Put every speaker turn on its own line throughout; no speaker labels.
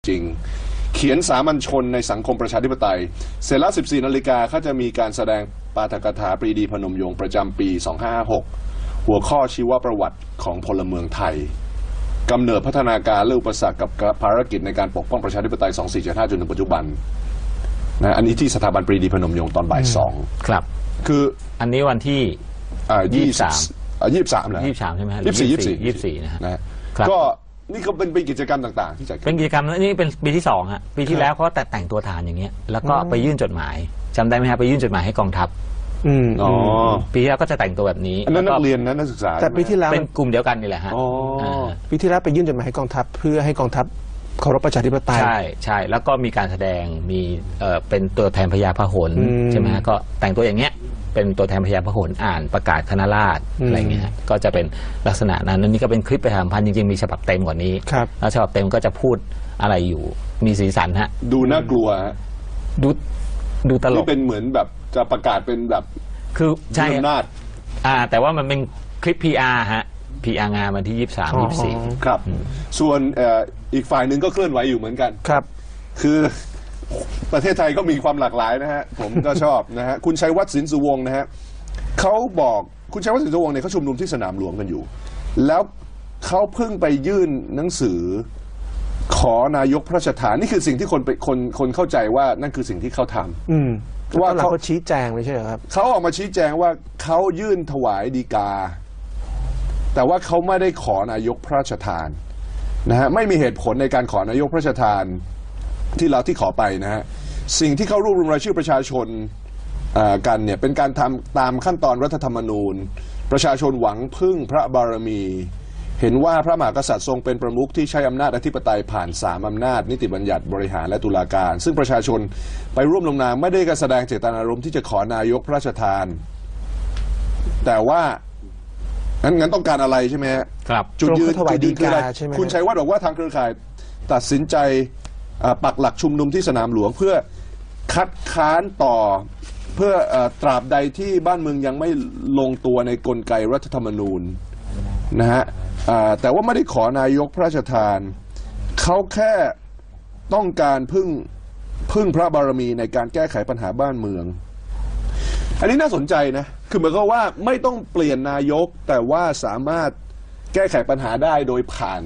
จริงเขียนสามัญชนในสังคมประชาธิปไตยเสร็จแล้ว 14 นาฬิกาเขาจะมีการแสดงปาฐกถาปรีดีพนมยงค์ประจำปี 2556 หัวข้อชีวประวัติของพลเมืองไทยกำเนิดพัฒนาการและอุปสรรคกับภารกิจในการปกป้องประชาธิปไตย 2475 จนถึงปัจจุบันนะอันนี้ที่สถาบันปรีดีพนมยงค์ตอนบ่าย 2
ครับ
คือ
อันนี้วันที่
23เหรอ
23ใช่ไหม24นะฮะ
ก็นี่ก็เป็นกิจกรรมต่างๆที่จัด
เป็นกิจกรรมนี่เป็นปีที่2ฮะปีที่แล้วเขาแต่งตัวทหารอย่างเงี้ยแล้วก็ไปยื่นจดหมายจำได้ไหมครับไปยื่นจดหมายให้กองทัพปีที่แล้วก็จะแต่งตัวแบบนี้
อันนั้นนักเรียนนะนักศึกษา
แต่ปีที่แล้ว
เป็นกลุ่มเดียวกันนี่แหละฮะ
ปีที่แล้วไปยื่นจดหมายให้กองทัพเพื่อให้กองทัพเคารพประชาธิปไตย
ใช่แล้วก็มีการแสดงมีเป็นตัวแทนพญาพหลใช่ไหมฮะก็แต่งตัวอย่างเงี้ยเป็นตัวแทนพญาพหลอ่านประกาศคณราษฎรอะไรเงี้ยก็จะเป็นลักษณะนั้นนี่ก็เป็นคลิปประชาสัมพันธ์จริงๆมีฉบับเต็มกว่านี้แล้วฉบับเต็มก็จะพูดอะไรอยู่มีสีสันฮะ
ดูน่ากลัว
ดูตลก
เป็นเหมือนแบบจะประกาศเป็นแบบ
คือใช่
อำนาจ
แต่ว่ามันเป็นคลิป PR ฮะ PR งานวันที่23-24
ครับส่วนอีกฝ่ายหนึ่งก็เคลื่อนไหวอยู่เหมือนกัน
ครับ
คือประเทศไทยก็มีความหลากหลายนะฮะผมก็ชอบนะฮะคุณชัยวัฒน์สินสุวงศ์นะฮะเขาบอกคุณชัยวัฒน์สินสุวงศ์เนี่ยเขาชุมนุมที่สนามหลวงกันอยู่แล้วเขาเพิ่งไปยื่นหนังสือขอนายกพระราชทานนี่คือสิ่งที่คนเข้าใจว่านั่นคือสิ่งที่เขาทำ
ว่าเขาชี้แจงไม่ใช่เหรอครับ
เขาออกมาชี้แจงว่าเขายื่นถวายฎีกาแต่ว่าเขาไม่ได้ขอนายกพระราชทานนะฮะไม่มีเหตุผลในการขอนายกพระราชทานที่ขอไปนะฮะสิ่งที่เขารวบรวมรายชื่อประชาชนกันเนี่ยเป็นการทำตามขั้นตอนรัฐธรรมนูญประชาชนหวังพึ่งพระบารมีเห็นว่าพระมหากษัตริย์ทรงเป็นประมุขที่ใช้อำนาจอธิปไตยผ่าน3 อำนาจนิติบัญญัติบริหารและตุลาการซึ่งประชาชนไปร่วมลงนามไม่ได้การแสดงเจตนารมณ์ที่จะขอนายกพระราชทานแต่ว่างั้นต้องการอะไรใช่ไหม
ครับ
จุดยืนคืออะไรคุณชัยวัฒน์บอกว่าทางเครือข่ายตัดสินใจปักหลักชุมนุมที่สนามหลวงเพื่อคัดค้านต่อเพื่อตราบใดที่บ้านเมืองยังไม่ลงตัวในกลไกรัฐธรรมนูญนะฮะแต่ว่าไม่ได้ขอนายกพระราชทานเขาแค่ต้องการพึ่งพระบารมีในการแก้ไขปัญหาบ้านเมืองอันนี้น่าสนใจนะคือหมายความว่าไม่ต้องเปลี่ยนนายกแต่ว่าสามารถแก้ไขปัญหาได้โดยผ่าน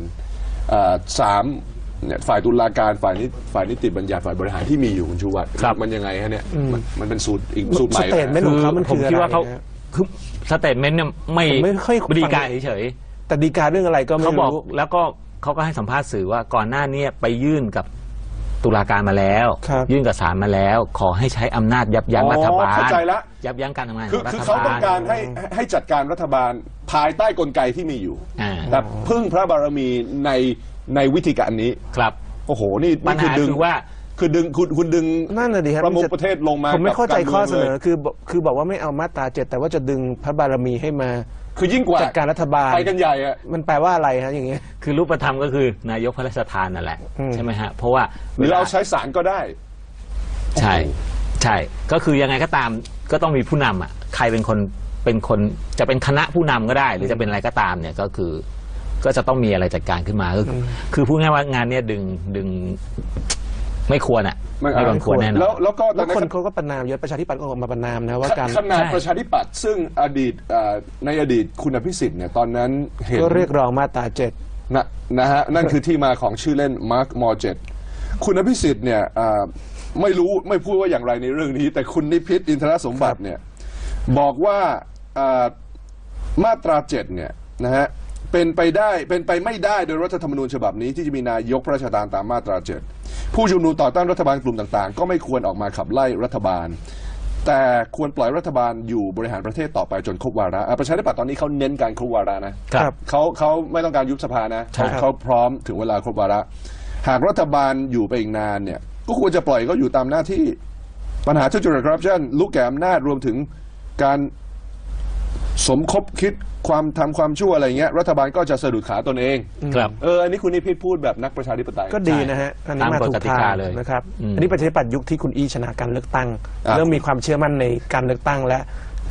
ฝ่ายตุลาการฝ่ายนิติบัญญัติฝ่ายบริหารที่มีอยู่คุณชูวัฒน์มันยังไงฮะเนี่ยมันเป็นสูตรอีกสูตรใหม่
สเตทเมนต์ของเขามัน
ผมคิดว่าเขาคือสเตทเมนต์เนี่ยไม่ค่อยดีการเฉย
แต่ดีการเรื่องอะไรก็ไม่รู้
เขาบอกแล้วก็เขาก็ให้สัมภาษณ์สื่อว่าก่อนหน้านี้ไปยื่นกับตุลาการมาแล้วยื่นกับศาลมาแล้วขอให้ใช้อำนาจยับยั้งรัฐบาล
เข้าใจละ
ยับยั้งการทำงานของรัฐบาล
คือเขาต้องการให้จัดการรัฐบาลภายใต้กลไกที่มีอยู่แต่พึ่งพระบารมีในวิธีการนี้
ครับ
โอ้โหนี่
ปัญหาคือว่า
คุณดึง
นั่นน่ะดิครับ
ประมุขประเทศลงมา
ผมไม่เข้าใจข้อเสนอคือบอกว่าไม่เอามาตรา7แต่ว่าจะดึงพระบารมีให้มา
คือยิ่งกว่า
จัดการรัฐบาล
ไปกันใหญ่อะ
มันแปลว่าอะไรฮะอย่างเงี้ย
คือรูปธรรมก็คือนายกพระราชทานนั่นแหละใช่ไหมฮะเพราะว่า
หรือเราใช้ศาลก็ได้
ใช่ก็คือยังไงก็ตามก็ต้องมีผู้นำอ่ะใครเป็นคนจะเป็นคณะผู้นำก็ได้หรือจะเป็นอะไรก็ตามเนี่ยก็จะต้องมีอะไรจัดการขึ้นมาคือพูดง่ายว่างานเนี้ยดึงไม่ควรอ่ะไม่ควรแน่นอน
แล้วก็
คนเขาก็ประนามเยอะประชาธิปัตย์ก็ออกมาประนามนะว่าการ
ขนาดประชาธิปัตย์ซึ่งในอดีตคุณอภิสิทธิ์เนี่ยตอนนั้น
เห็นก็เรียกร้องมาตรา7
นะฮะนั่นคือที่มาของชื่อเล่นมาร์คมอ7คุณอภิสิทธิ์เนี่ยไม่พูดว่าอย่างไรในเรื่องนี้แต่คุณนิพิษอินทรสมบัติเนี่ยบอกว่ามาตรา7เนี่ยนะฮะเป็นไปไม่ได้โดยรัฐธรรมนูญฉบับนี้ที่จะมีนายกพระราชทานตามมาตรา7ผู้ชุมนุมต่อต้านรัฐบาลกลุ่มต่างๆก็ไม่ควรออกมาขับไล่รัฐบาลแต่ควรปล่อยรัฐบาลอยู่บริหารประเทศต่อไปจนครบวาระประชาธิปัตย์ตอนนี้เขาเน้นการครบวาระนะเขาไม่ต้องการยุบสภานะเขาพร้อมถึงเวลาครบวาระหากรัฐบาลอยู่ไปอีกนานเนี่ยก็ควรจะปล่อยก็อยู่ตามหน้าที่ปัญหาทุจริตคอร์รัปชันลุกแก่อำนาจรวมถึงการสมคบคิดความชั่วอะไรเงี้ยรัฐบาลก็จะสะดุดขาตนเอง
ครับ
อันนี้คุณนิพิษพูดแบบนักประชาธิปไตย
ก็ดีนะฮะอันนี้มาถูกทางเลยนะครับอันนี้ประชาธิปัตย์ยุคที่คุณชนะการเลือกตั้งเริ่มมีความเชื่อมั่นในการเลือกตั้งและ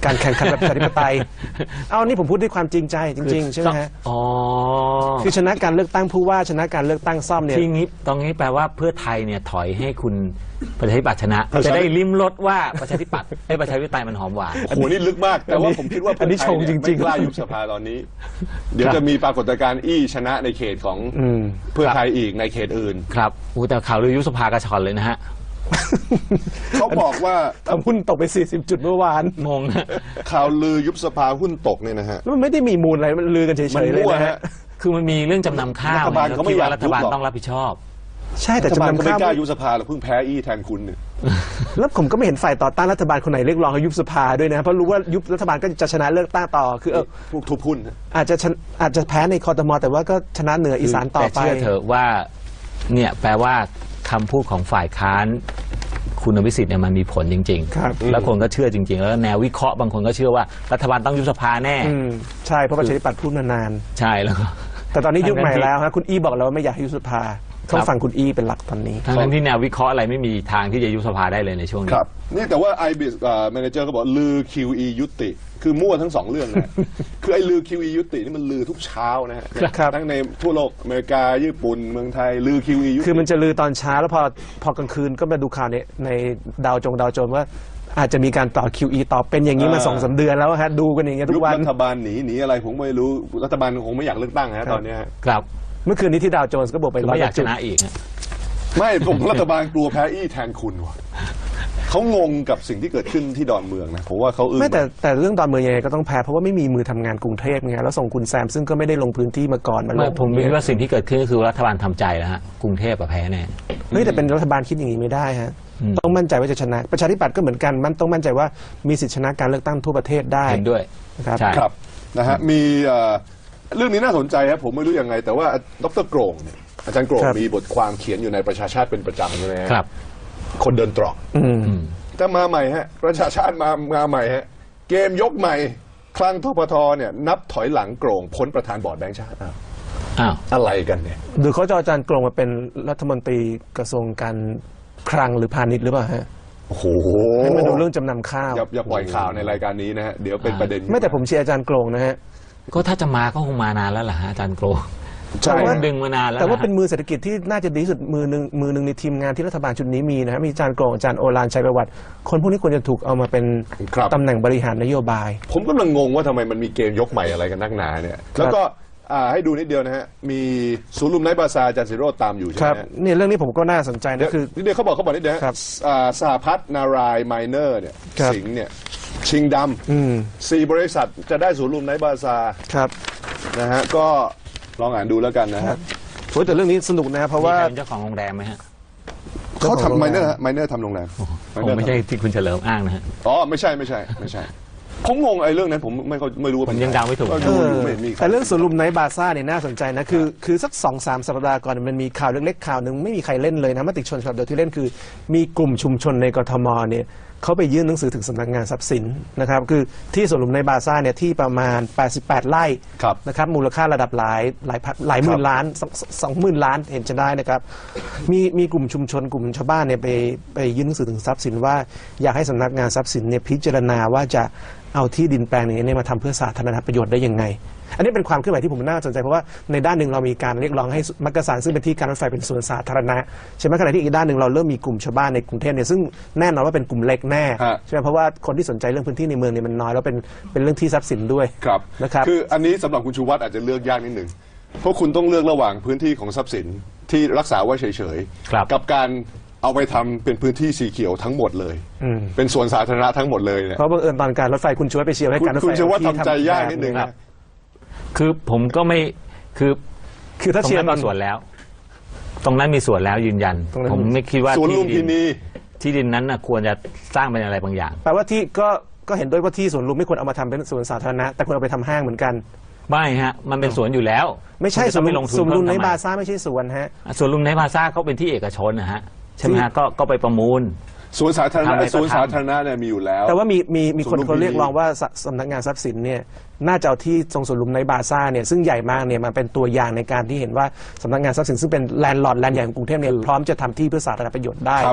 การแข่งขันแบบประชาธิปไตย เอานี่ผมพูดด้วยความจริงใจจริงๆใช่ไหมฮะ
อ๋อ
คือชนะการเลือกตั้งผู้ว่าชนะการเลือกตั้งซ่อมเนี่ย
ที่งี้ตรงนี้แปลว่าเพื่อไทยเนี่ยถอยให้คุณประชาธิปัตย์ชนะ จะได้ลิ้มรสว่าประชาธิปัตย์ประชาธิปไตยมันหอมหวาน
โอ้โหนี่ลึกมาก แต่ว่าผมคิดว่า
อันนี้ชงจริงๆ
ไม่กล้ายุบสภาตอนนี้ เดี๋ยวจะมีปรากฏการณ์อี้ชนะในเขตของเพื่อไทยอีกในเขตอื่น
ครับแต่ข่าวลือยุบสภากระชอนเลยนะฮะ
เขาบอกว่า
ทำหุ้นตกไป40 จุดเมื่อวาน
งง
ข่าวลือยุบสภาหุ้นตกเนี่ยนะฮะ
แล้วมันไม่ได้มีมูลอะไรมันลือกันเฉย
มัน
ๆเลย
มั่ว
นะ
ฮะ
ฮะ
คือมันมีเรื่องจำนำข้าว
รัฐบาลเขาไม่อยาก
รัฐบาล
ยุบหรอก
ต้องรับผิดชอบ
ใช่แต่
รัฐบาล
จำ
ก็
นำ
ไม่
ข้าว
กล้ายุบสภาหรอกเพิ่งแพ้อี้แทนคุณเนี่ย
แล้วผมก็ไม่เห็นฝ่ายต่อต้านรัฐบาลคนไหนเรียกร้องให้ยุบสภาด้วยนะเพราะรู้ว่ายุบรัฐบาลก็จะชนะเลือกตั้งต่อคือ
พวกทุบหุ้น
อาจจะแพ้ในคอตมแต่ว่าก็ชนะเหนืออีสานต่อไป
แต่เชื่อเถอะว่าเนี่ยแปลว่าคำพูดของฝ่ายค้านคุณอภิสิทธิ์เนี่ยมันมีผลจริง
ครับ
ๆ แล้วคนก็เชื่อจริงๆ แล้วแนววิเคราะห์บางคนก็เชื่อว่ารัฐบาลต้องยุบสภาแน่
ใช่เพราะประชาธิปัตย์พูดมานาน
ใช่แล้วก็
แต่ตอนนี้ยุบใหม่แล้วฮะคุณอี้บอกแล้วว่าไม่อยากให้ยุบสภาต้องฟังคุณอี้เป็นหลักตอนนี้
ทั้งที่แนววิเคราะห์อะไรไม่มีทางที่จะยุบสภาได้เลยในช่วงนี้
ครับ นี่แต่ว่า IBIS Manager ก็บอกลือ QE ยุติ คือมั่วทั้งสองเรื่องนะ คือไอ้ลือ QE ยุตินี่มันลือทุกเช้านะฮะ
ครับ
ทั้งในทั่วโลกอเมริกาญี่ปุ่นเมืองไทยลือ QE ยุติ
คือมันจะลือตอนเช้าแล้วพอกลางคืนก็มาดูข่าวในดาวโจนส์ว่าอาจจะมีการต่อ QE ต่อเป็นอย่างนี้มา2-3 เดือนแล้วฮะดูกันอย่างเงี้ยทุ
ยุ
ก
บ
วัน
รัฐบาลหนีอะไรผมไม่รู้รัฐบาลคงไม่อยากเลือกตั้งฮะตอนเนี้ยฮะ
ครับ
เมื่อคืนนี้ที่ดาวโจนส์ก็บวกไป
คือไม่อยาก
100
ชนะอีกฮะ
ไม่ผมรัฐบาลกลัวแพ้อี้แทนคุณว่ะเขางงกับสิ่งที่เกิดขึ้นที่ดอนเมืองนะผมว่าเขาอึ้ง
ไม่แต่เรื่องดอนเมืองยังไงก็ต้องแพ้เพราะว่าไม่มีมือทำงานกรุงเทพไงแล้วส่งคุณแซมซึ่งก็ไม่ได้ลงพื้นที่มาก่อนมาล
ไม่
ง
ผมคิดว่าสิ่งที่เกิดขึ้นก็คือรัฐบาลทำใจแล้วฮะกรุงเทพแพ้แน่
เฮ้ยแต่เป็นรัฐบาลคิดอย่างนี้ไม่ได้ฮะต้องมั่นใจว่าจะชนะประชาธิปัตย์ก็เหมือนกันมันต้องมั่นใจว่ามีสิทธิชนะการเลือกตั้งทั่วประเทศได้
เห็นด้วย
นะครับ
ใช่
ครับนะฮะมีเรื่องนี้น่าสนใจครับผมไม่รู้ยังไง แต่ว่าดร.โกรงเนี่ยอาจารย์โกรงมีบทความเขียนอยู่ในประชาชาติเป็นประจำใช่ไหมฮะ
ครับ
คนเดินตรอก จะมาใหม่ฮะประชาชาติมาใหม่ฮะเกมยกใหม่คลังทปทเนี่ยนับถอยหลังโกรงพ้นประธานบอร์ดแบงก์ชาติ
อ้าว
อะไรกันเนี่ย
หรือเขาจะเอาอาจารย์กรงมาเป็นรัฐมนตรีกระทรวงการคลังหรือพาณิชย์หรือเปล่าฮะ
โอ้โห
ให้มาดูเรื่องจำนำข้าว
อย่าปล่อยข่าวในรายการนี้นะฮะเดี๋ยวเป็นประเด็น
ไม่แต่ผมเชียร์อาจารย์กรงนะฮะ
ก็ถ้าจะมาก็คงมานานแล้วล่ะฮะอาจารย์โกร
ใช่
แต่ว่า
ดึงมานานแล้ว
แต่ว่า
ะฮะ
เป็นมือเศรษฐกิจที่น่าจะดีที่สุดมือหนึ่งในทีมงานที่รัฐบาลชุดนี้มีนะฮะมีอาจารย์กรงอาจารย์โอฬารชัยประวัติคนพวกนี้ควรจะถูกเอามาเป็น
ครับ
ตำแหน่งบริหารนโยบาย
ผมกำลังงงว่าทำไมมันมีเกมยกใหม่อะไรกันนักหนาเนี่ยแล้วก็ให้ดูนิดเดียวนะฮะมีศูนย์ลุมไนท์บาซาร์อาจารย์สิโรจน์ตามอยู่ใช่
ค
ไห
รั
ม
บ
ฮะ
เนี่ยเรื่องนี้ผมก็น่าสนใจ
เดี๋ย
นะ
ว
คือ
นิดเดียวเขาบอกนิดเดียวนะครับ สหพัฒน์นารายไมเนอร์เนี่ย
ครับ
สิงห์เนี่ยชิงดำ4 บริษัทจะได้ศูนย์ลุมไนท์บาซาร์
ครับ
นะฮะก็ลองอ่านดูแล้วกันนะฮะ
โอ้ยแต่เรื่องนี้สนุกนะเพราะ
มี
ว่า
ใครเป็นเจ้าของโรงแรมไหมฮะ
เขาทำไมเนอร์ทำโรงแรม
คงไม่ใช่ที่คุณเฉลิมอ้างนะฮะ
อ๋อไม่ใช่ผมงงไอ้เรื่องนั้นผมไม่รู้ว่า
ผมยังเดาไม่ถูก
ดูไม่มีใคร
แต่เรื่องสวนลุมไนท์บาซ่าเนี่ยน่าสนใจนะคือสัก2-3 สัปดาห์ก่อนมันมีข่าวเล็กๆข่าวหนึ่งไม่มีใครเล่นเลยนะมติชนฉบับเดียวที่เล่นคือมีกลุ่มชุมชนในกทมเนี่ยเขาไปยื่นหนังสือถึงสำนักงานทรัพย์สินนะครับคือที่สวนลุมไนท์บาซ่าเนี่ยที่ประมาณ88 ไร่
ครับ
นะครับมูลค่าระดับหลายหมื่นล้าน20,000 ล้านเห็นจะได้นะครับมีกลุ่มชุมชนกลุ่มชาวบ้านเนี่ยไปยื่นหนังสือถึงทรัพย์สินว่าอยากให้สำนักงานทรัพย์สินเนี่ยพิจารณาว่าจะเอาที่ดินแปลงนี้มาทำเพื่อสาธารณประโยชน์ได้ยังไง อันนี้เป็นความเคลื่อนไหวที่ผมน่าสนใจเพราะว่าในด้านหนึ่งเรามีการเรียกร้องให้มักกะสันซึ่งเป็นที่การรถไฟเป็นส่วนสาธารณะใช่ไหมขณะที่อีกด้านหนึ่งเราเริ่มมีกลุ่มชาวบ้านในกรุงเทพเนี่ยซึ่งแน่นอนว่าเป็นกลุ่มเล็กแน่
ฮะ
ใช่ไหมเพราะว่าคนที่สนใจเรื่องพื้นที่ในเมืองเนี่ยมันน้อยแล้วเป็นเรื่องที่ทรัพย์สินด้วย
ครับ
นะครับ
คืออันนี้สำหรับคุณชูวัฒน์อาจจะเลือกยากนิดหนึ่งเพราะคุณต้องเลือกระหว่างพื้นที่ของทรัพย์สินที่รักษาไว้เฉย
ครับ
กับการเอาไปทำเป็นพื้นที่สีเขียวทั้งหมดเลย เป็นสวนสาธารณะทั้งหมดเลยเนี่ย
เพราะบังเอิญตอนการรถไฟคุณช่วยไปเชียร์ให้การรถไฟ
คุณชูวัฒน์
เอาที่
ทำใจยากนิดหนึ่ง
ครั
นะ
บ
คือผมก็ไม่คือ
คือถ้า
ตรง
เชียร์
นั้นมีส่วนแล้ว ตรงนั้นมีส่วนแล้วยืนยัน
ตรงนั้น
ผมไม่คิดว่า
สวนลุมพินี
ที่ดินนั้นน่ะควรจะสร้างเป็นอะไรบางอย่าง
แปลว่าที่ก็เห็นด้วยว่าที่สวนลุมไม่ควรเอามาทำเป็นสวนสาธารณะแต่ควรเอาไปทำห้างเหมือนกัน
ไม่ฮะ มันเป็นสวนอยู่แล้ว
ไม่ใช่
คุณ
ส
จะ
วน
ไม่ล
ลุ
ง
ม
ทุน
สวนลุมใน
เพิ่มทำไม
บาซ่าไม่ใช่สวนฮะ
สวนลุมในพลาซ่าเขาเป็นที่เอกชนนะฮะใช่ไหมฮะก็ไปประมูล
สวนสาธาร
ทำอะไร
ณะ
ก็
สวนสา
ทำ
ธารณะเนี่ยมีอยู่แล้ว
แต่ว่ามีคน
สวนลุม
เขาเรียก
พินี
ร้องว่าสำนักงานทรัพย์สินเนี่ยน่าจะเอาที่ตรงสวนลุมในบาซ่าเนี่ยซึ่งใหญ่มากเนี่ยมาเป็นตัวอย่างในการที่เห็นว่าสำนักงานทรัพย์สินซึ่งเป็นแลนด์ลอร์ดแลนด์ใหญ่ของกรุงเทพเนี่ยพร้อมจะทำที่เพื่อสาธารณประโยชน์ได้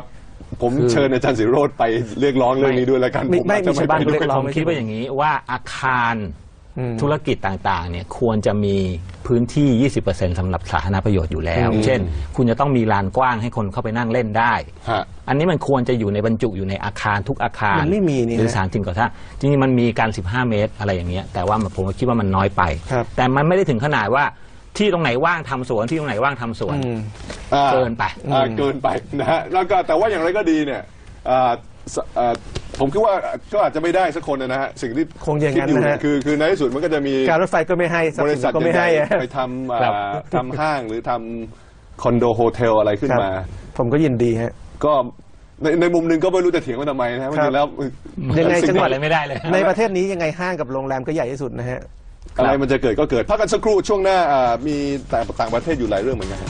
ผมเชิญอาจารย์ศิโรจน์ไปเรียกร้องเรื่องนี้ด้วยแล้วกัน
ไม่
ผอาจจะ
มีชาวบ้าน
ไป
เรียกร้อง
ผมคิดว่าอย่างนี้ว่าอาคารธุรกิจต่างๆเนี่ยควรจะมีพื้นที่ 20% สำหรับสาธารณประโยชน์อยู่แล้ว เช่น คุณจะต้องมีลานกว้างให้คนเข้าไปนั่งเล่นได้
ฮะ
อันนี้มันควรจะอยู่ในบรรจุอยู่ในอาคารทุกอาคาร
มันไม่มีนี่
หรือ
ฮะ
สถานที่ก่อสร้างจริงๆมันมีการ15 เมตรอะไรอย่างเงี้ยแต่ว่าผมคิดว่ามันน้อยไป
ครับ
แต่มันไม่ได้ถึงขนาดว่าที่ตรงไหนว่างทำสวนที่ตรงไหนว่างทำสวน เกินไป
เกินไปนะฮะแล้วก็แต่ว่าอย่างไรก็ดีเนี่ยผมคิดว่าก็อาจจะไม่ได้สักคนนะฮะสิ่งที่
คงอย่างนั้น
คิด
นะฮะ
คือในที่สุดมันก็จะมี
การรถไฟก็ไม่ให้ทรัพ
บ
ย์
ริ
สิ
ษัท
นก็ไม่ให้
ใหญ่
อะ
ๆไปท
ครับ
ำทำห้างหรือทำคอนโดโฮเทลอะไรขึ้น
ครับ
มา
ผมก็ยินดีฮะ
ก็ในมุมหนึงก็ไม่รู้จะเถียงกันทำไมนะฮะมัน
ครับ
จริงแล้ว
ยังไง
สิ่
จังหวัด
อะไรไม่ได้เลย
ในประเทศนี้ยังไงห้างกับโรงแรมก็ใหญ่ที่สุดนะฮะ
อะไรมันจะเกิดก็เกิดพักกันสักครู่ช่วงหน้ามีต่างประเทศอยู่หลายเรื่องเหมือนกันฮะ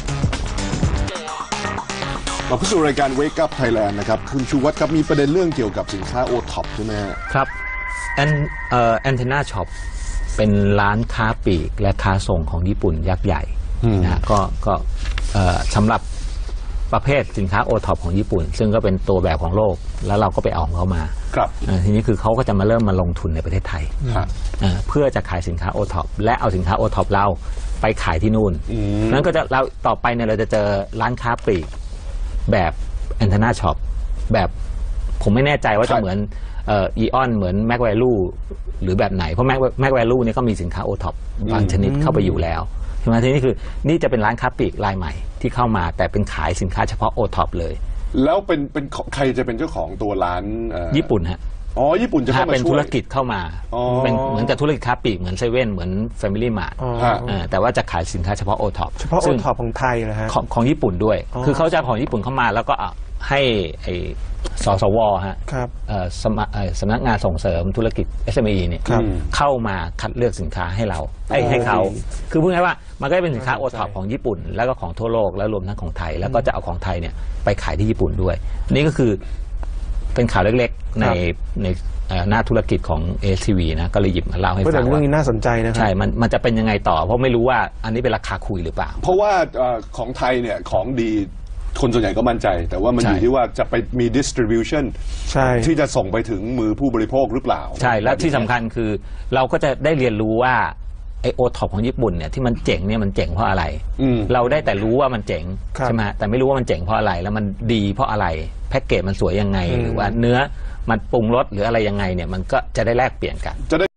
มาเข้าสู่รายการ Wake Up Thailand นะครับคุณชูวัฒน์ครับมีประเด็นเรื่องเกี่ยวกับสินค้าโอท็อปใช่ไหมฮะ
ครับแอนเทนาช็อปเป็นร้านค้าปลีกและค้าส่งของญี่ปุ่นยักษ์ใหญ่นะฮะก็สำหรับประเภทสินค้าโอท็อปของญี่ปุ่น ซึ่งก็เป็นตัวแบบของโลกแล้วเราก็ไปเอาของเขามา
ครับ
ทีนี้คือเขาก็จะมาเริ่มมาลงทุนในประเทศไทย
ฮะ
เพื่อจะขายสินค้าโอท็อปและเอาสินค้าโอท็อปเราไปขายที่นู่นนั้นก็จะเราต่อไปเนี่ยเราจะเจอร้านค้าปลีกแบบแอนเทนาช็อปแบบผมไม่แน่ใจว่าจะเหมือนอีออนเหมือนแม็กแวลูหรือแบบไหน เพราะแม็กแวลูเนี่ยก็มีสินค้าโอท็อปบางชนิดเข้าไปอยู่แล้วใช่ไหมทีนี้คือนี่จะเป็นร้านค้าปลีกรายใหม่ที่เข้ามาแต่เป็นขายสินค้าเฉพาะโอท็อปเลย
แล้วเป็นของใครจะเป็นเจ้าของตัวร้าน
ญี่ปุ่นฮะ
อ๋อญี่ปุ่นจะเข้ามา
เป็น
ช่วย
ธุรกิจเข้ามา
อ๋อ
เป็นเหมือนกับธุรกิจค้าปลีกเหมือนเซเว่นเหมือน Family Mart
อ๋อ
ฮะ
แต่ว่าจะขายสินค้าเฉพาะโอท็อป
เฉพาะโอท็อปของไทยนะฮะ
ของญี่ปุ่นด้วย
อ๋อ
คือเขาจะเอาของญี่ปุ่นเข้ามาแล้วก็ให้ไอ้สสวฮะ
ครับ
สำนักงานส่งเสริมธุรกิจ SME เนี่ย
ครับ
เข้ามาคัดเลือกสินค้าให้เราให้เขา คือพูดง่ายๆว่ามันก็เป็นสินค้าโอท็อปของญี่ปุ่น แล้วก็ของทั่วโลกแล้วรวมทั้งของไทย แล้วก็จะเอาของไทยเนี่ยไปขายที่ญี่ปุ่นด้วย นี่ก็คือเป็นข่าวเล็กๆในหน้าธุรกิจของ ACV นะก็เลยหยิบมาเล่าให้
เพราะ
ฟั
แต่
ง
เรื่อง
ว่า
นี้น่าสนใจนะครับ
ใช่มันจะเป็นยังไงต่อ เพราะไม่รู้ว่าอันนี้เป็นราคาคุยหรือเปล่า
เพราะว่าของไทยเนี่ยของดีคนส่วนใหญ่ก็มั่นใจ แต่ว่ามัน
ใช่
อยู่ที่ว่าจะไปมี distribution
ใช่
ที่จะส่งไปถึงมือผู้บริโภคหรือเปล่า
ใช่ และที่สำคัญคือเราก็จะได้เรียนรู้ว่าไอโอท็อปของญี่ปุ่นเนี่ยที่มันเจ๋งเนี่ยมันเจ๋งเพราะอะไร เราได้แต่รู้ว่ามันเจ๋ง
ครับ
ใช่ไหมฮะแต่ไม่รู้ว่ามันเจ๋งเพราะอะไร แล้วมันดีเพราะอะไรแพ็กเกจมันสวยยังไง หรือว่าเนื้อมันปรุงรสหรืออะไรยังไงเนี่ยมันก็จะได้แลกเปลี่ยนกัน
จะได้